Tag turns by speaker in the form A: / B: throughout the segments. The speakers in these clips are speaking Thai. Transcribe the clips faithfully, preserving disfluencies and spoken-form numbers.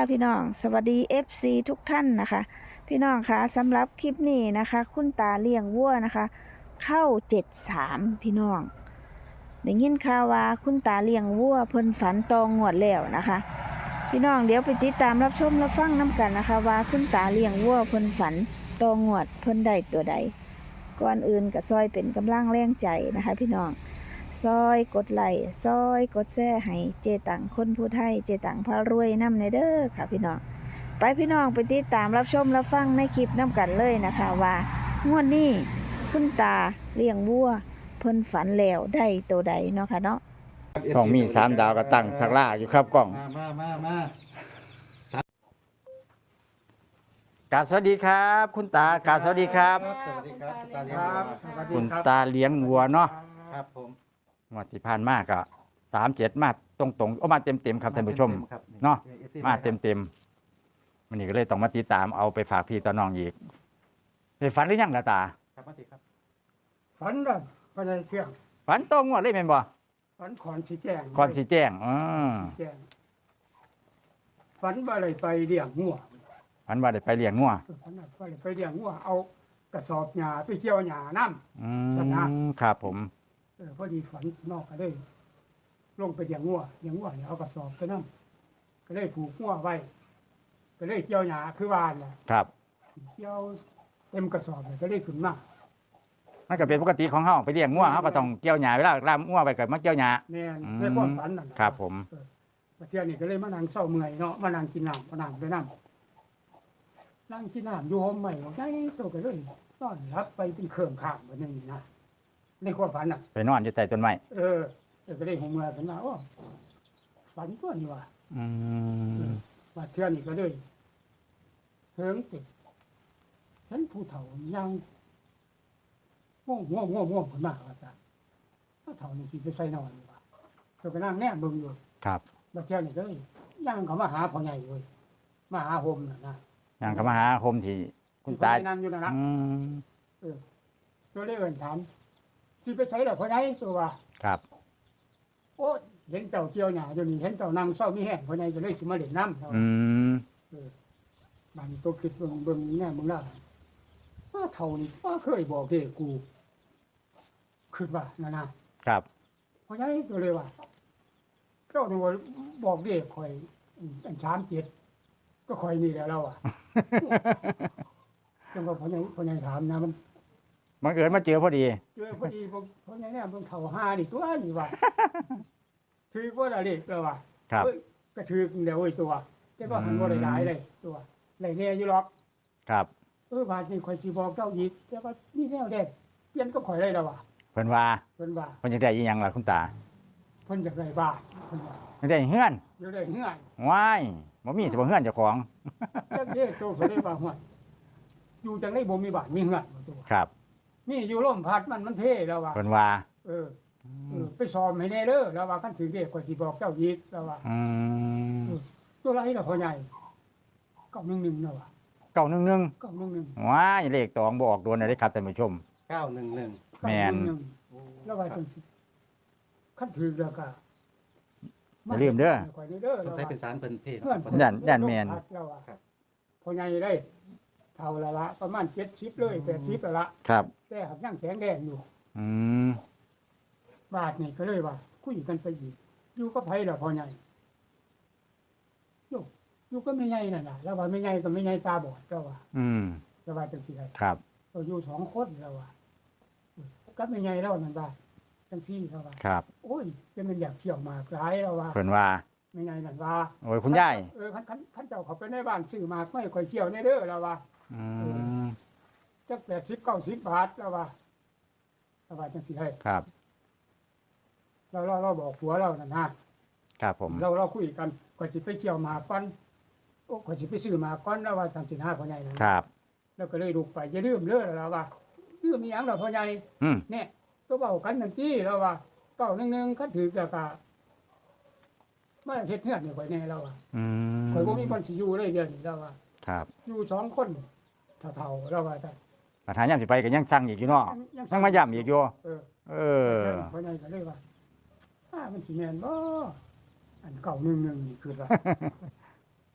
A: พี่น้องสวัสดี เอฟ ซี ทุกท่านนะคะพี่น้องคะสำหรับคลิปนี้นะคะคุณตาเลี้ยงวัวนะคะเข้าเจ็ดสามพี่น้องได้ยินข่าวว่าคุณตาเลี้ยงวัวเพิ่นฝันตองงวดแล้วนะคะพี่น้องเดี๋ยวไปติดตามรับชมรับฟังน้กันนะคะว่าคุณตาเลี้ยงวัวเพิ่นฝันตองงวดเพิ่นได้ตัวใดก่อนอื่นก็ซอยเป็นกำลังแรงใจนะคะพี่น้องซอยกดไลค์ซอยกดแชร์ให้เจตังคนผู้ไทยเจตังพารวยนำในเด้อค่ะพี่น้องไปพี่น้องไปติดตามรับชมรับฟังในคลิปน้ำกันเลยนะคะว่างวดนี้คุณตาเลี้ยงวัวเพิ่นฝันแล้วได้ตัวใดเนาะค่ะเนาะ
B: ต้องมีสามดาวก็ตั้งสักล่าอยู่ครับกล้อง
C: มามามามา
B: กราบสวัสดีครับ คุณตากราบสวัสดีครับ
C: สวัสดีครับตาเลี้ยง
D: ครับ
C: วัว
D: สวัสดี
B: คุณ
D: ครับ
B: ตาเลี้ยงวัวเนาะ
C: ครับผม
B: งวดที่ผ่านมาก็สามเจ็ดมาตรงตรงๆเอามาเต็มเต็มๆครับท่านผู้ชม
C: ครับ
B: เนาะ
C: อฟซี
B: มาเต็มเต็มๆวันนี้ก็เลยต้องมาติดตามเอาไปฝากพี่ต่อน้องอีกได้ฝันหรือยังล่ะตา
C: ครับมาติครับ
D: ฝันแบบพญาเที่ยง
B: ฝันตรงงวดเลยแม่นบ่
D: ฝันขอนสีแจ้ง
B: ก่อนสิแจ้งอ๋อ
D: แจ้งฝันว่าอะไรไปเลี้ยงงัว
B: ฝันว่าได้ไปเลี้ยงงัว
D: ฝันว่าอะไรไปเลี้ยงงัวเอากระสอบหญ้าไปเกี่ยวหญ้าน้
B: อื
D: สนะ
B: มครับผม
D: ำเออพอดีฝันนอกก็ได้ลงไปเลี้ยงงัวเลี้ยงงัวเนี่ยเอากระสอบไปน้ำก็เลยผูกงัวไว้ก็เลยเกี่ยวหญ้าคือวานน่ะ
B: ครับ
D: เกี่ยวเต็มกระสอบเลยก็เลยขึ้นมา
B: มันก็เป็นปกติของเฮาไปเลี้ยงงัวเฮาก็ต้องเกี่ยวหญ้าเวลาลามงัวไปก็มาเกี่ยวหญ้า
D: แม่น
B: อืม
D: ในความฝันนั่นน่ะ
B: ครับผม
D: มาเที่ยวนี่ก็เลยมานั่งเศร้าเมื่อยเนาะมานั่งกินน้ำมานั่งไปน้ำนั่งกินน้ำอยู่ห้องใหม่ไงตัวก็เลยนอนรับไปเป็นเครื่องข้ามวันนึงนะในความฝันอ่ะ
B: ไปนอนอยู่ใต้ต้นไม้
D: เออเออก็เลยหัวเมื่อยกันมาโอ้ฝันตัวนี้ว่ะ
B: อืม
D: มาเที่ยวนี่ก็เลยเฮิงติดฉันผู้เฒ่ายังง่วงง่วงง่วงง่วงขึ้นมาว่าจ้ะผู้เฒ่านี่สิไปใส่นอนดีกว่าตัวก็นั่งแน่เบิ่งอยู่
B: ครับ
D: มาเที่ยวนี่ก็เลยย่างเขามาหาพ่อใหญ่เลยมาหาโฮมน่ะนะ
B: ยังก็มาหาโฮมที่คุณ
D: ที่
B: ตา
D: พ่อใหญ่นั่งอยู่นั่นนะ
B: อืม
D: ตัวเลยเอิ้นถามสิไปใส่ดอกพ่อใหญ่ตัวว่า
B: ครับ
D: โอ้เห็นเจ้าเกี่ยวหญ้าอยู่นี่เห็นเจ้านั่งเศร้ามีแห้งพ่อใหญ่ก็เลยสิมาเล่นน้ำเนาะ
B: อืม
D: บ้านนี้ตัวคิดเบิ่งเบิ่งนี่แน่มึงล่ะว่าเท่านี้ว่าเคยบอกเด้กูคิดว่านั่นนะครับ พ่อใหญ่ตัวเลยว่าเจ้านี่ว่าบอกเด้ข่อยอันสามเจ็ดก็ข่อยนี่แหละเราอ่ะ จังว่าพ่อใหญ่พ่อใหญ่ถามนะมัน
B: บังเอิญมาเจอพอดี
D: เจอพอดีผมเพราะไงเนี่ยผมเท่าห้านี่ตัวนี่ว่า ถือว่าอะไรตัวว่า
B: ครับ
D: เอ้ยก็ถือเดี๋ยวไอ้ตัวแต่ก็หันว่าได้หลายเลยตัวไรเนี่ยอยู่หรอก
B: ครับ
D: เออบาดนี่ข่อยสิบอกเจ้าอีกแต่ว่านี่แนวเด็ดเปลี่ยนก็ข่อยได้แล้วว่ะ
B: เพิ่นว่า
D: เพิ่นว่า
B: เพิ่นจะได้อีหยังล่ะคุณตา
D: เพิ่นอยากได้บ้านเพิ่นว่า
B: จะได้เฮือน
D: อยากได้เฮือน
B: ว้ายบ่มีสิบ่เฮือนเจ้าของ
D: จังเด้โตเพิ่นได้ว่าฮ้วยอยู่จังได๋บ่มีบ้านมีเฮือนบ่ตัว
B: ครับ
D: นี่อยู่ลมพัดมันมันเท่แล้วว่ะ
B: เพิ่นว่า
D: เออเออไปสอบให้แน่เด้อแล้วว่าคันถือเด็กข่อยสิบอกเจ้าอีกแล้วว่า
B: อืม
D: ตัวไรล่ะพ่อใหญ่เก้าหนึ่งหนึ่งนะวะ
B: เก้าหนึ่งหนึ่ง
D: เก้าหนึ่งหนึ่ง
B: ว้ายเลขตองบ่ออกโดนได้ครับท่านผู้ชม
C: เก้าหนึ่งหนึ่ง
B: แม่น
D: แล้วว่าจังสิขั้นถือแล้วก็
B: อย่าลืมเด้อ
D: ข่อยนี่เด้อ
C: สงสัยเป็นสารเป็นเพศ
D: เพื่อน
B: ย่านย่านแม่น
D: แล้วว่า
C: ครับ
D: พ่อใหญ่ได้เท่าละละประมาณเจ็ดสิบเลยแปดสิบละละ
B: ครับ
D: แต่หักยังแข็งแดงอยู่
B: อืม
D: บาทนี่ก็เลยว่าคุยกันไปอีกอยู่ก็ไผล่ะพ่อใหญ่อยู่อยู่ก็ไม่ใหญ่นั่นน่ะแล้วว่าไม่ใหญ่ก็ไม่ใหญ่ตาบอดแล้วว่า
B: อืม
D: แล้วว่าจังสิได้
B: ครับ
D: เราอยู่สองคนแล้วว่าก็ไม่ใหญ่แล้วนั่นว่าจังซี่แล้วว่า
B: ครับ
D: โอ้ยจะมันอยากเที่ยวหมากหลายแล้วว่า
B: เพิ่นว่า
D: ไม่ไงนั่นว่า
B: โอ้ยคุณยาย
D: เออคันคันคันเจ้าเขาไปในบ้านซื้อหมากไม่ค่อยเที่ยวในเด้อแล้วว่า
B: อืม
D: จักแปดสิบเก้าสิบบาทแล้วว่าแล้วว่าจังสิให้
B: ครับ
D: เราเราเราบอกผัวเรานั่นนะครับ
B: ผม
D: เราเราคุยกันก่อนสิไปเที่ยวหมากก่อนโอ้ก่อนสิไปซื้อหมากก่อนแล้วว่าจังสิหาพ่อใหญ่นั่น
B: ครับ
D: แล้วก็เลยลุกไปอย่าลืมเด้อแล้วว่าลืมมีหยังล่ะพ่อใหญ่
B: อืม
D: เนี่ยตัวเบากันนั่นที่แล้วว่าเก้าหนึ่งหนึ่งคันถือแล้วก็มาเฮ็ดเฮือนนี่ข่อยแน่แล้วว่า
B: อืม
D: ข่อยบ่มีคนสิอยู่เลยเดี๋ยวนี้แล้วว่า
B: ครับ
D: อยู่สองคนเท่าๆแล้วว่าแต่
B: ประธานยามสิไปก็ยังสั่งอีกอยู่เนาะยังมาย้ำอีกอยู่
D: เออ
B: เออ
D: เพราะไงก็เลยว่าถ้ามันสิแม่นบ่อันเก่าหนึ่งหนึ่งนี่คือว่า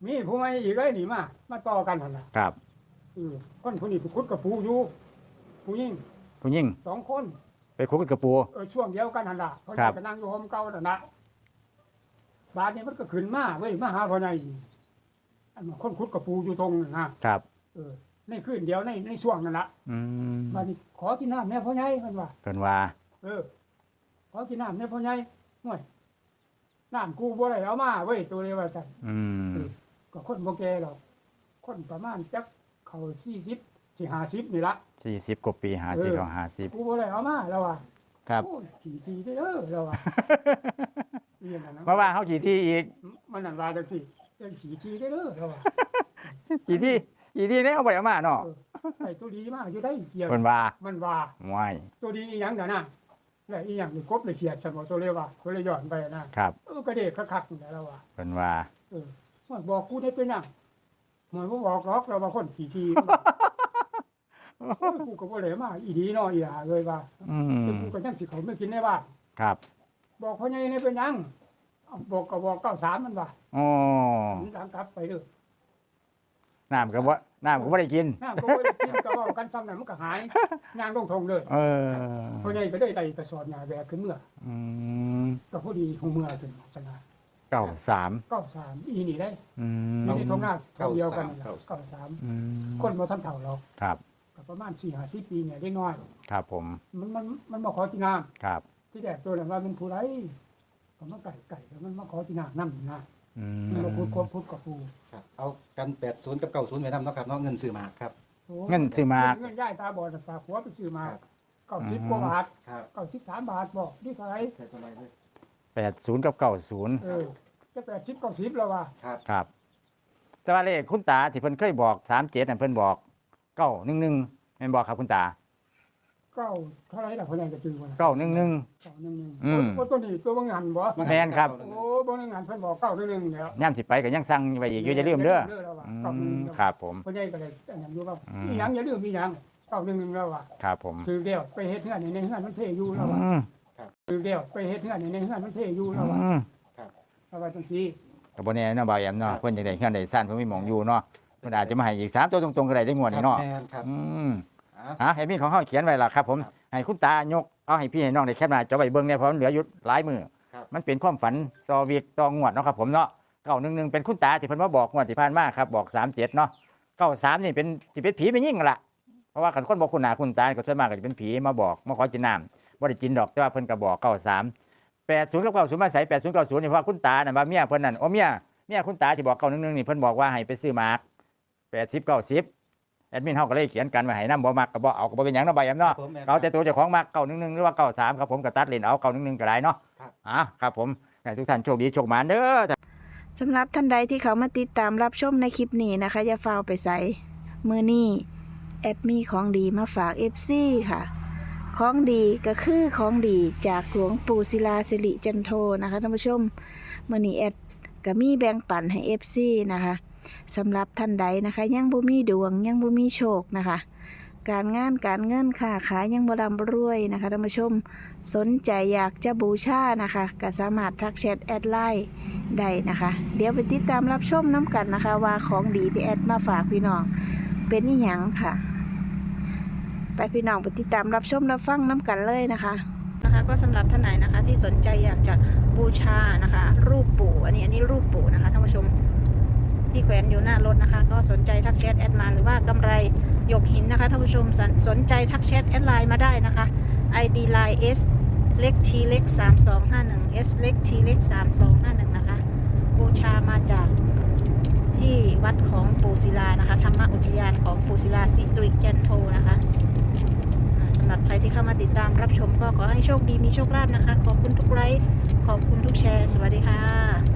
D: มีผู้ใหม่อีกเลยนี่มามาต่อกันหั่นล่ะ
B: ครับ
D: เออคนผู้นี้ไปขุดกับปูอยู่ผู้หญิง
B: ผู้หญิง
D: สองคน
B: ไปคุกกับปู
D: เออช่วงเดียวกันหั่นล่ะเขา
B: ครับ
D: จะนั่งอยู่ห้องเก่านั่นน่ะบาดนี้มันก็ขึ้นมาเว้ยมาหาพ่อใหญ่อันคนขุดกับปูอยู่ตรงนั่นนะครับ เออในคืนเดียวในในช่วงนั้นล่ะ
B: อืม
D: บาดนี้ขอกินน้ำแม่พ่อใหญ่มันว่า
B: เพิ่นว่า
D: เออขอกินน้ำแม่พ่อใหญ่ห่วยน้ำกูบ่ได้เอามาเว้ยตัวเดียวว่าซั่น
B: อืม
D: ก็คนบ่แก่หรอกคนประมาณจักเข้าสี่สิบสิห้าสิบนี่ละ
B: สี่สิบกว่าปีห้าสิบเอาห้าสิบ
D: กูบ่ได้เอามาแล้วว่า
B: ครับ
D: โอ้ยขี่ทีเด้อแล้วว่าเรียนนั่นนะ
B: เพราะว่าเฮาขี่ที่อีก
D: มันนั่นว่าจังซี่เจ้าขี่ทีเด้อแล้วว่า
B: ขี่ที่ขี่ที่ได้เอาบ่ได้เอามาเนาะ
D: เออไอ้ตัวดีมากอยู่ได้เกี่ยว
B: เพิ่นว่า
D: มันว่า
B: ห่วย
D: ตัวดีอีหยังน่ะนะแล้วอีหยังนี่กบเลยเขียดซั่นบ่ตัวเลยว่าตัวเลยย้อนไปนะครับ เออก็เด็กคักๆนี่แหละแล้วว่า
B: เพิ่นว่า
D: เออว่าบอกกูได้เป็นหยังหมายบ่บอกหรอกเราว่าคนขี่ทีโอ้ยกูก็บ่ได้มาอีดีเนาะอีหาเลยว่า
B: อื
D: แต่
B: ม
D: กูก็ยังสิเขาไม่กินในบ้าน
B: ครับ
D: บอกพ่อใหญ่นี่เป็นหยังเอ้าบอกก็บอกเก้าสามมันว่า
B: อ๋อ
D: หนีหลังกลับไปเด้อ
B: น้ำก็บ่น้ำก็บ่ได้กิน
D: น้ำก็บ่ได้กินก็เว้ากันซ้ำนั้นมันก็หายยางลงทงเลย
B: เออ
D: พ่อใหญ่ก็ได้ไต่กระสอบหญ้าแบกขึ้นเมื่อ
B: อืม
D: ก็พอดีของเมื่อขึ้นชนะ
B: เก้าสาม
D: เก้าสามอีนี่ได้
B: อืม
D: นี่ทงหน้าทงเดียวกันนั่นล่ะ
C: เก้า
D: เก้า
C: สาม
D: สาม
B: อืม
D: คนบ่ทันเฒ่าหรอก
B: ครับ
D: ก็ประมาณสี่ห้าสิบปีเนี่ยได้น้อย
B: ครับผม
D: มันมันมันมาขอกินน้
B: ครับ
D: ำที่แรกตัวนั้นว่าเป็นผู้ไรก็มาไก่ไก่แล้วมันมาขอกินน้ำน้ำนะ
B: อื
D: มันมาพูด
B: ม
D: ควบพูดกับปู
C: ครับเอากันแปดศูนย์กับเก้าศูนย์ไว้นำเนาะครับเนาะเงินซื้อหมากครับ
D: โอ้
B: เงินซื้อหมาก
D: เงินย่ายตาบอดน่ะฝากหัวไปซื้อหมาก
C: ครับ
D: เก้าสิบกว่าบาท
C: ครับ
D: เก้าสิบสามบาทบอกนี่เท่าไหร
C: ใส่ตัวไหนเลย
B: แปดศูนย์กับเก้าศูนย์
D: เออจะแปดสิบเก้าสิบแล้วว่ะ
C: ครับ
B: ครับ แต่ว่าเลขคุณตาที่เพิ่นเคยบอกสามเจ็ดนั่นเพิ่นบอกเก้าหนึ่งหนึ่งแม่นบอกครับคุณตา
D: เก้าเท่าไหรล่ะคนยังจะจื้อวะ
B: เก้าหนึ่งหนึ่ง
D: เก้าหนึ่งหนึ่ง
B: อืม
D: โอ้ตัวนี้ตัวบางงานบ่
B: แม่นครับ
D: โอ้บางงานเพิ่นบอกเก้าหนึ่งหนึ่งแล้ว
B: ย่ำสิไปก็ยังสั่งไว้อีกอยู่อย่าลืมเด้อ
D: แล้วว่ะ
B: อื
D: เก้าหนึ่งห
B: ม
D: นึ่ง
B: ครับผม
D: คนใหญ่ก็เลยอันนั้นอยู่ว่า
B: อืม
D: มีหยังอย่าลืมมีหยังเก้าหนึ่งหนึ่งแล้วว่ะ
B: ครับผม
D: ถือเดียวไปเฮ็ดเฮือนในเฮือนมันเทอยู่แล้วว่ะ
B: อืม
D: ถือเดียวไปเฮ็ดเฮือนในเฮือนมันเทอยู่แล้วว่ะ
B: อืม
D: แล้วว่าจังซี่
B: กับบนนี้เนาะบ่าวแอมเนาะเพิ่นจังได๋เฮือนได้ซ่านเพิ่นมีหมองอยู่เนาะเพิ่นอาจจะมาให้อีกสามตัวตรงๆก็ได้ได้งวดนี้เนาะ
C: แม่นครับ
B: อืม
C: อ่ะ
B: ฮะให้มีของเฮาเขียนไว้ล่ะครับผม
C: ครับ
B: ให้คุณตายกเอาให้พี่ให้น้องได้แคปหน้าจอไว้เบิ่งเนี่ยเพราะมันเหลืออยู่หลายมือ
C: ครับ
B: มันเป็นความฝันต่อวีกต่องวดเนาะครับผมเนาะเก้าหนึ่งหนึ่งเป็นคุณตาที่เพิ่นมาบอกงวดที่ผ่านมาครับบอกสามเจ็ดเนาะเก้าสามนี่เป็นสิเป็นผีเป็นยิ่งนั่นล่ะเพราะว่าคันคนบอกคุณหน้าคุณตาก็ส่วนมากก็จะเป็นผีมาบอกมาขอกินน้ำบ่ได้กินดอกแต่ว่าเพิ่นก็บอกเก้าสามแปดศูนย์กับเก้าศูนย์มาใส่แปดศูนย์เก้าศูนย์นี่เพราะว่าคุณตาน่ะว่าเมียเพิ่นนั่นโอ้เมียเมียคุณตาที่บอกเก้าหนึ่งหนึ่งนี่เพิ่นบอกว่าให้ไปซื้อหมากแปดสิบเก้าสิบแอดมินเฮาก็เลยเขียนกันไว้ให้นำบ่มักก็บ่เอาก็บ่เป็นหยังเนาะใบแอมเนาะ
C: ผมแม่น
B: เอาแต่ตัวเจ้าของมักเก้าหนึ่งหนึ่งหรือว่าเก้าสามครับผมก็ตัดเลนเอาเก้าหนึ่งหนึ่งก็ได้เนาะ
C: ครับ
B: อ่ะครับผมให้ทุกท่านโชคดีโชคหมานเด้อ
A: สำหรับท่านใดที่เขามาติดตามรับชมในคลิปนี้นะคะ อย่าฟ้าวไปใส่มือนี้แอดมีของดีมาฝาก เอฟ ซี ค่ะ ของดีก็คือของดีจากหลวงปู่ศิลาสิริจันโทนะคะท่านผู้ชมมือนี้แอดก็มีแบ่งปันให้ เอฟ ซี นะคะสำหรับท่านใดนะคะยังบ่มีดวงยังบ่มีโชคนะคะ การงานการเงินค้าขายยังบ่ร่ำรวยนะคะท่านผู้ชมสนใจอยากจะบูชานะคะก็สามารถทักแชทแอดไลน์ได้นะคะ เดี๋ยวไปติดตามรับชมน้ำกันนะคะ ว่าของดีที่แอดมาฝากพี่น้องเป็นอีหยังค่ะ ไปพี่น้องไปติดตามรับชมรับฟังน้ำกันเลยนะคะนะคะก็สำหรับท่านไหนนะคะที่สนใจอยากจะบูชานะคะ รูปปู่อันนี้อันนี้รูปปู่นะคะท่านผู้ชมที่แขวนอยู่หน้ารถนะคะ ก็สนใจทักแชทแอดมาหรือว่ากำไรหยกหินนะคะท่านผู้ชมสนสนใจทักแชทแอดไลน์มาได้นะคะ ไอ ดี Line S เล็ก T เล็กสามสองห้าหนึ่ง S เล็ก T เล็กสามสองห้าหนึ่งนะคะบูชามาจากที่วัดของปู่ศิลานะคะธรรมอุทยานของปู่ศิลาสิริจันโทนะคะอ่าสำหรับใครที่เข้ามาติดตามรับชมก็ขอให้โชคดีมีโชคลาภนะคะ ขอบคุณทุกไลค์ขอบคุณทุกแชร์สวัสดีค่ะ